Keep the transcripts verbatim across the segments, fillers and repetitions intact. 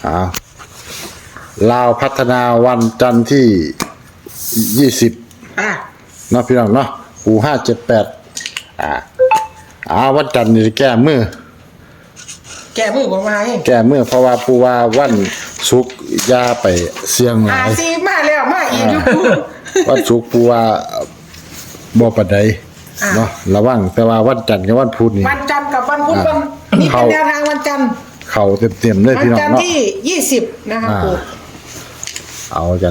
อ่าลาวพัฒนาวันจันทร์ที่ยี่สิบอ่ะเนาะพี่น้องเนาะปูห้าเจ็ดแปดอ่าอ่าวันจันทร์นี่แก้มือแกมือผมมาให้แก้มือเพราะว่าปูว่าวันศุกร์อยาไปเสี่ยงหหาลายซีมาแล้วมาอีกอยู่กูวันศุกร์ปูว่าบ่ปานใดเนาะระวังแต่ว่าวันจันทร์กับวันพุธนี่วันจันทร์กับวันพุธวันนี่เป็นแนวทางวันจันทร์เข้าเต็มๆเลยวันพี่น้องจันทร์เนาะที่ยี่สิบนะคะอ่าปูเอากัน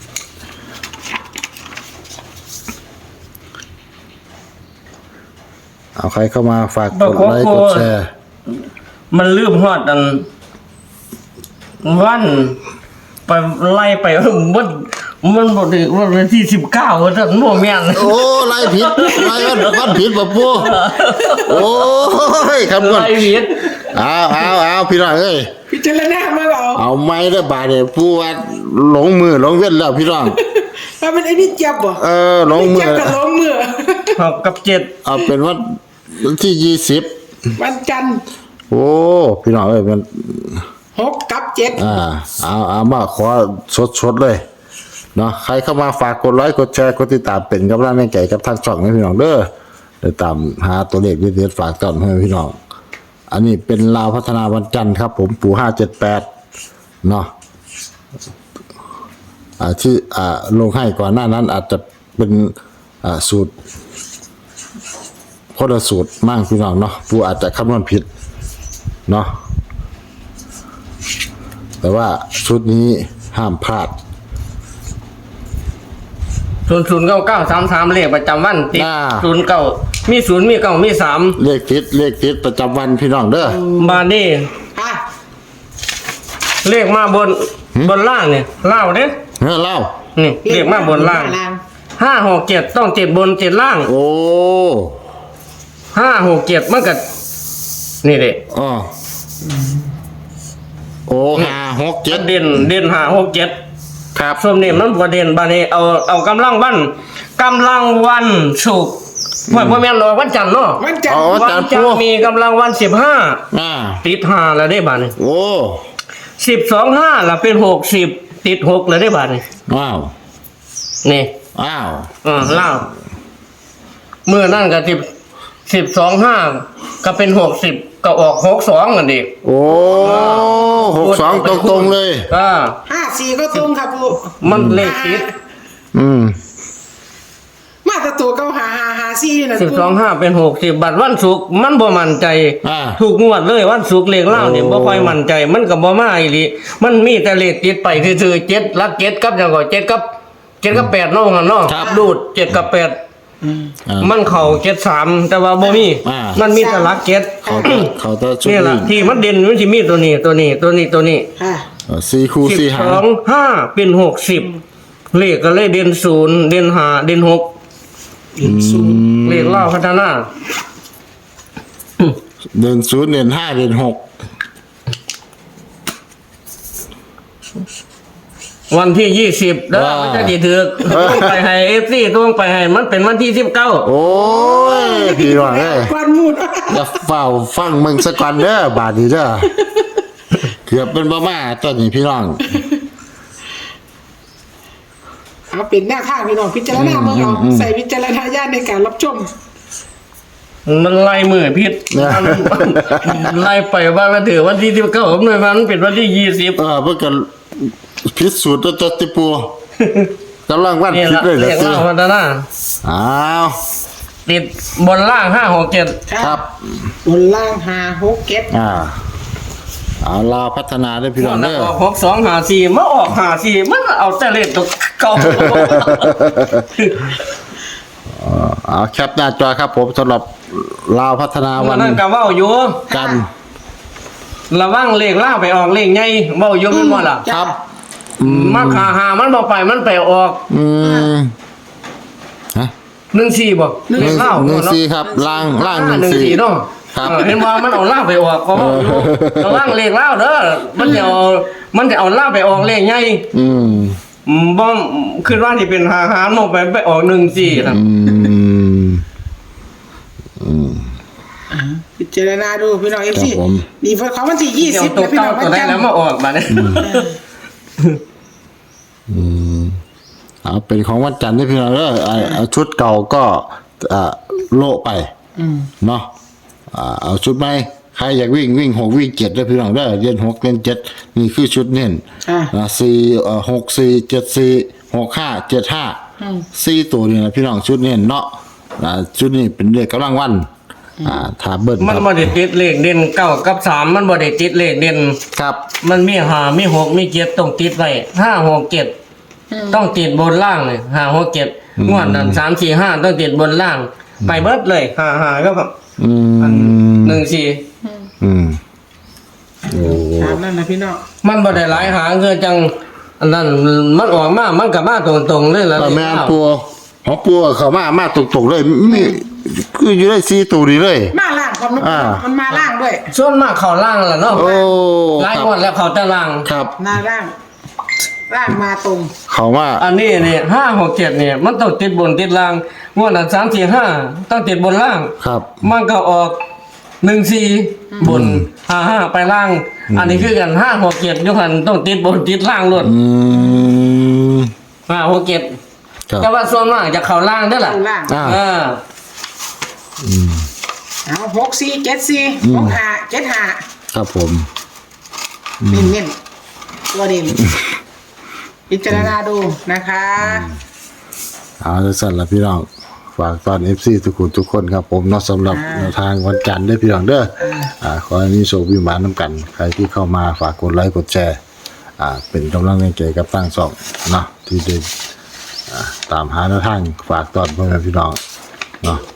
เอาใครเข้ามาฝากกดไลค์กดแชร์มันลืมฮอดอันวันไปไล่ไปมันมันบ่ได้วันที่สิบเก้าท่านบ่แม่นโอ้ไล่ผิดไล่วันวันผิดป่ะปูโอ้ยคำก่อนไล่ผิดเอาเอาเอาพี่น้องเอ้ยพิจารณามาเอาเอาไม้ได้บาดเนี่ยปูว่าหลงมือหลงเว้นแล้วพี่น้องว่าเป็นไอ้นี่เจ็บบ่เออหลงมืเจ็อบกับลงมือหกกับเจ็ดเอาเป็นวันวันที่ยี่สิบวันจันทร์โอ้พี่น้องเอ้ยมันหกกับเจ็ดอ่าเอาเอามาขอสดๆเลยเนาะใครเข้ามาฝากกดไลค์กดแชร์กดติดตามเป็นกำลังใจกับทางช่องให้พี่น้องเด้อเดี๋ยวตามหาตัวเลขเด็ดๆฝากต้อนให้พี่น้องอันนี้เป็นลาวพัฒนาวันจันทร์ครับ ผมปู่ห้าเจ็ดแปดเนาะอ่าที่อ่าลงให้ก่อนหน้านั้นอาจจะเป็นอ่าสูตรคนละสูตรมั่งพี่น้องเนาะปู่อาจจะคำนวณผิดเนาะแต่ว่าชุดนี้ห้ามพลาดศูนย์ศูนย์เก้าเก้าสามสามเลขประจำวันติดอ่าศูนย์เก้ามีศูนย์มีเก้ามีสามเลขติดเลขติดประจำวันพี่น้องเด้อบาดนี้อ่ะเลขมาบนบนล่างเนี่ยเล่าเด้เฮ้ยเล่านี่เลขมาบนล่างห้าหกเจ็ดต้องเจ็ดบนเจ็ดล่างโอ้ห้าหกเจ็ดมันก็นี่เด้อ๋อโอ้ห้าหกเจ็ดเด่นเด่นห้าหกเจ็ดครับส่วนนี้มันประเด็นบานี้เอาเอากำลังวันกำลังวันศุกร์ว่าพ่อแม่นรอวันจันทร์เนาะวันจันทอ๋อร์วันวัจันนทร์จันทปูร์มีกำลังวันสิบห้าอ่าติดห้าแล้วได้บาทนี่โอ้สิบสองห้าละเป็นหกสิบติดหกแล้วได้บาทนี่ว้าวนี่อ้าวอ่าเล่าเมื่อนั่นก็สิบสิบสองห้าก็เป็นหกสิบก็ออกหกสองกันดิโอ้หกสองตรงๆเลยก็ห้าสี่ก็ตรงครับปูมันเลขติดอืมมาแตตัวเก้าหาหาหาสี่นี่นะสิบปูสองห้าเป็นหกสิบบัตรวันศุกร์มันบ่มั่นใจอ่าถูกงวดเลยวันศุกร์เลขเล่าเนี่ยโอ้บ่ค่อยมั่นใจ มันก็บ่มาอีหลีมันมีแต่เลขติดไปคือๆเจ็ดลักเจ็ดกับจังก็เจ็ดกับเจ็ดกับแปดเนาะว่างั้นเนาะครับดูดเจ็ดกับแปดอ่ามันเข้าเจ็ดสามแต่ว่าบ่มีอ่ามัมันมีแต่ลักเจ็ดเขาจะเขาจะชุดนี่ล่ะวิ่งที่มันเด่นมันสิมีตัวนี้ตัวนี้ตัวนี้ตัวนี้อ่ะเออสี่คู่สิบสี่สหาอง งห้าเป็นหกสิบเลขก็เลยเด่นศูนย์เด่นห้าเด่นหกศูนย์เลขเล่าพัฒนาเดินศูนย์เดินห้าเดินหกวันที่ยี่สิบเด้อมันจะดีถือต้องไปให้เอฟซีต้องไปให้มันเป็นวันที่สิบเก้าโอ้ยพี่น้องเอ้ยกวนมูดอย่าเฝ้าฟังมึงสักก่อนเด้อบาดนี้เด้อเกือบเป็นบ้ามาตอนนี้พี่น้องเอาเป็นหน้าข้างพี่น้องพิจารณาเมื่อเอาใส่พิจารณาญาณในการรับชมมันไล่มือพิษไล่ไปว่าละถือวันที่สิบเก้าผมหน่วยมันเป็นวันที่ยี่สิบเออเพื่อกันพิสูจน์ตัวตัวติปูกำลังวันนี่คิดละเลยเหรเลอขสิเล่าพัฒนาอ้าวติดบนล่างห้าหกเจ็ดครับบนล่างหาหกเก็ตอ่าเอาลาวพัฒนาด้วยพี่น้องเด้อออกหกสองหาสี่มาออกหาสี่มันเอาแต่เลขตัวเก่าเอาแคปหน้าจอครับผมสำหรับลาวพัฒนาวัวัน นนั้นก็เว้าอยู่กันระวังเลขล่าไปออกเลขใหญ่เว้าอยู่แม่นบ่ล่ะครับมาขาหามันบ่ไปมันไปออกอืมฮะหนึ่งสี่บ่หนึ่งเลขเล่าหนึ่งเนาะสี่ครับล่างล่างหหนึ่งนึ่งสี่สี่เนาะครับเออเห็นว่ามันเอาล่าไปออกก็เว้าอยู่ระวังเลขเล่าเด้อมันจะเอามันจะเอาล่าไปออกเลขใหญ่อืมอืมบ่คิดว่าสิเป็นหาหาลงไปไปออกหนึ่งสี่นะอืมอืมพิจารณาดูพี่น้องเอฟซีครับผมนี่เฟิร์สของวันที่ยี่เดี๋ยวสิบตัวนะพี่เก้าน้องตัววันได้จันทแล้วร์มาออกมาเนี่ยเอาเป็นของวันจันทร์ที่พี่น้องเด้ออ่าเอาชุดเก่าก็อ่าโละไปเนาะอ่าเอาชุดใหม่ใครอยากวิ่งวิ่งหกวิ่งเจ็ดได้อพี่น้องเด้อเรียนหกเรียนเจ็ดนี่คือชุดเน้นอ่าอ่าสี่เอ่อหกสี่เจ็ดสี่หกห้าเจ็ดห้าสี่ตัวนี่นะพี่น้องชุดเน้นเนาะอ่าชุดนี้เป็นเลขกำลังวันอ่าถ้าเบิ้ลมันครับบ่ได้ติดเลขเด่นเก้ากับสามมันบ่ได้ติดเลขเด่นครับมันมีห้ามีหกมีเจ็ดต้องติดไว้ห้าหกเจ็ดต้องติดบนล่างเลยห้าหกเจ็ดงวดนั้นสามสี่ห้าต้องติดบนล่าง ไปเบิดเลยห้าห้าก็แบบอืมหนึ่งสี่อืมโอ้ตามนั่นนะพี่น้องมันบ่ได้หลายหางคือจังอันนั้นมันออกมามันก็มาตรงๆเลยแล้วแต่แม่นปัวของปัวเขามามาตรงๆเลยมีคืออยู่ได้สี่ตัวนี้เลยมาล่างความนุอ่ามันมาล่างด้วยส่วนมากเข้าล่างล่ะเนาะโอ้หลายครับงวดแล้วเข้าแต่ล่างครับหน้าล่างล่างมาตรงเขามาอันนี้นี่ห้าหกเจ็ดเนี่ยมันต้องติดบนติดล่างงวดนั้นสามสี่ห้าต้องติดบนล่างครับมันก็ออกหนึ่งสี่บนห้าห้าไปล่าง อันนี้คือกันห้าหกเจ็ดยุคันต้องติดบนติดล่างล้วนอืมห้าหกเจ็ดครับแต่ว่าส่วนมากจะเข้าล่างได้อล่ะข้างล่างอ่าเออเอาหกสี่เจ็ดสี่หกห้าเจ็ดห้าครับผมเน้นเน้นๆตัวเด่นพิจารณาดูนะคะเอาละสั่นละพี่น้องฝากตอน เอฟ ซี ทุกคนทุกคนครับผมเนาะสำหรับแนวทางวันจันทร์เด้อพี่น้องเด้ออ่าขอให้มีโชคมีหมานำกัน ใครที่เข้ามาฝากกดไลค์กดแชร์อ่าเป็นกำลังใจกับตั้งสองเนาะที่ได้อ่าตามหาแนวทางฝากตอนพ่อแม่พี่น้องเนาะ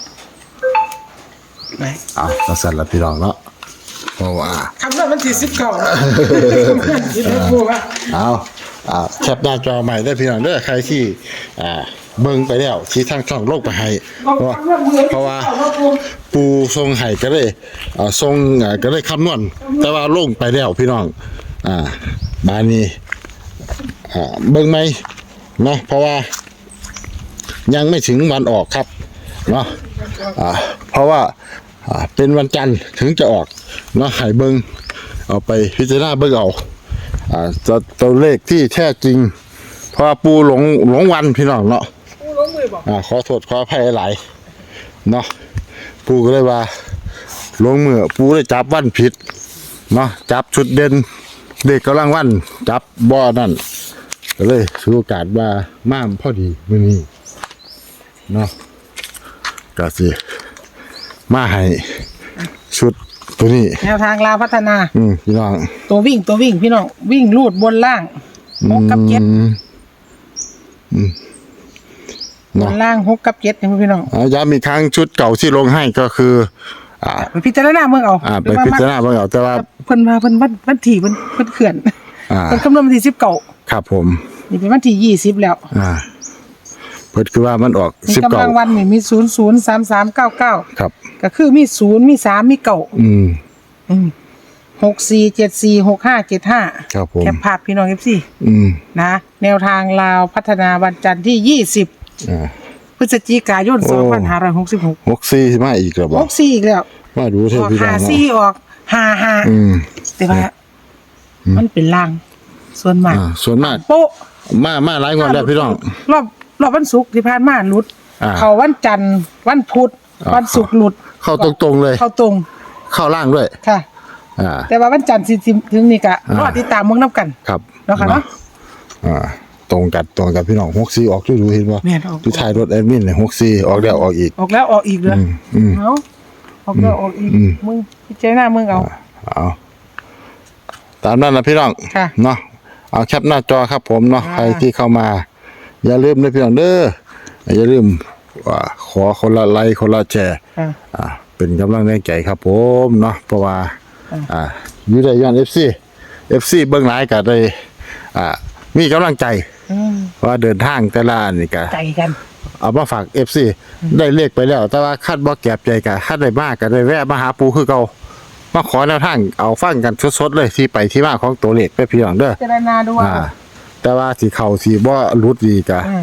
ไหนเอาละสั่นละพี่น้องเนาะเพราะว่าคำนวณวันที่สิบเก้าคิดว่าพูดว่าเอาอ่าแคปหน้าจอใหม่ได้พี่น้องเด้อใครที่อ่าเบิ่งไปแล้วชี้ทางช่องโลกไปให้เพราะว่าเพราะว่าปูทรงไห้ก็เลยอ่าทรงอ่าก็เลยคำนวณแต่ว่าลงไปแล้วพี่น้องอ่าบานนี้อ่าเบิ่งไหมเนาะเพราะว่ายังไม่ถึงวันออกครับเนาะอ่าเพราะว่าอ่าเป็นวันจันทร์ถึงจะออกเนาะให้เบิ่งเอาไปพิจารณาเบิ่งเอา อ่าตัวตัวเลขที่แท้จริงเพราะว่าปูหลงหลงวันพี่น้องเนาะปูลงมือบอกอ่าขอโทษขออภัยหลายเนาะปูก็เลยว่าลงมือปูได้จับวันผิดเนาะจับชุดเด่นเด็กกำลังวันจับบ่อนั่นก็เลยถือโอกาสว่าม่ามพอดีมื้อนี้เนาะก็สิมาให้ชุดตัวนี้แนวทางลาวพัฒนาอืมพี่น้องตัววิ่งตัววิ่งพี่น้องวิ่งลูดบนล่างหกกับเจ็ดอืมอืมบนล่างหกกับเจ็ดนี่พี่น้องอ่าย้ำอีกครั้งชุดเก่าที่ลงให้ก็คือ อ่าไปพิจารณาเมืองเอาอ่าไปพิจารณาเบิ่งเอาแต่ว่าเพิ่นมาเพิ่นวันวันที่เพิ่นเพิ่นเขื่อนอ่าเพิ่นคำนวณวันที่สิบเก้าครับผมนี่เป็นวันที่ยี่สิบแล้วอ่า เพิ่นคือว่ามันออกมีสิบกำเก้าลังวันนี่มีศูนย์ศูนย์สามสามเก้าเก้าครับก็คือมีศูนย์มีสามมีเก้าอืมอืมหกสี่เจ็ดสี่หกห้าเจ็ดห้าครับผมแคปภาพพี่น้องเอฟซีอืมนะ แนวทางลาวพัฒนาวันจันทร์ที่ยี่สิบอ่าพฤศจิกายนโอ้สองพันห้าร้อยหกสิบหกหกสี่มาอีกแล้วบ่หกสี่อีกแล้วมาดูเถออะอกพี่น้อหางเนาะสี่ออกห้าห้าอืมแต่ว่ามันเป็นลาง ส่วนมากอ่าส่วนมากโป๊ะมามาหลายงวดแล้วพี่น้องรอบรอบวันศุกร์ที่ผ่านมาหลุดอ่าเขาวันจันทร์วันพุธอ่าวันศุกร์หลุดเข้าตรงๆเลยเข้าตรงเข้าล่างด้วยค่ะอ่าแต่ว่าวันจันทร์สิสิถึงนี่ก็อ่ารอติดตามเมืองน้ำกันครับเนาะค่ะเนาะอ่า ตรงกันตรงกันพี่น้องหกสี่ออกดูๆเห็นบ่แม่นออกที่ท้ายรถแอดมินเนี่ยหกสี่ออกแล้วออกอีกออกแล้วออกอีกเลยอืมอืมเอาออกแล้วออกอีกอืมมึงพิจารณามึงเอาเอาตามนั้นนะพี่น้องค่ะเนาะเอาแคปหน้าจอครับผมเนาะอ่าใครที่เข้ามา อย่าลืมนะพี่น้องเด้ออย่าลืมว่าขอคนละไลค์คนละแชร์ค่ะอ่าเป็นกำลังแรงใจครับผมเนาะเพราะว่าอ่าอ่าอยู่ได้ย้อน เอฟ ซี เอฟ ซี เบิ่งหลายก็ได้อ่ามีกำลังใจอืมว่าเดินทางแต่ละอันนี่ก็ใจกันเอามาฝาก เอฟ ซี ได้เลขไปแล้ว แต่ว่าคาดบ่แก็บใจก็คาดได้มากก็ได้แวะมาหาปูคือเก่ามาขอแนวทางเอาฟังกันสดๆเลยที่ไปที่มาของตัวเลขไปพี่น้องเด้อพิจารณาดูว่าอ่า แต่ว่าสิเข้าสิบ่หลุดดีก็อืม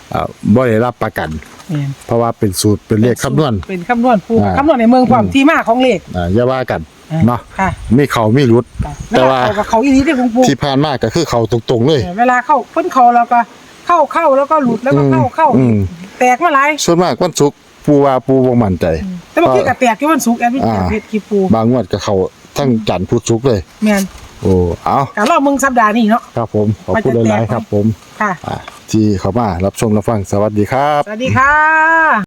อ่าบ่ได้รับประกันแม่นเพราะว่าเป็นสูตรเป็นเลขคำนวณเป็นคำนวณปูอ่าคำนวณในเมืองความที่มาของเลขอ่าอย่าว่ากันอ่าเนาะค่ะมีเขามีรุด แต่ว่าเวลเขกับเขาอีนี้ได้ของปูที่ผ่านมาก็คือเขาตรงๆเลยเวลาเข้าพ้นเขาแล้วก็เข้าเข้าแล้วก็หลุดแล้วก็เข้าเข้าอืมแตกมาหลายส่วนมากวันศุกร์ปูว่าปูบ่มั่นใจแต่บางทีก็แตกที่วันศุกร์แอดมินอ่าเพชรคีปูบางงวดก็เขาทั้งจันทร์พุธศุกร์เลยแม่นโอ้เอาการรอบมึงสัปดาห์นี้เนาะครับผมขอบคุณหลายๆครับผมค่ะอ่าที่เข้ามารับชมรับฟังสวัสดีครับสวัสดีค่ะ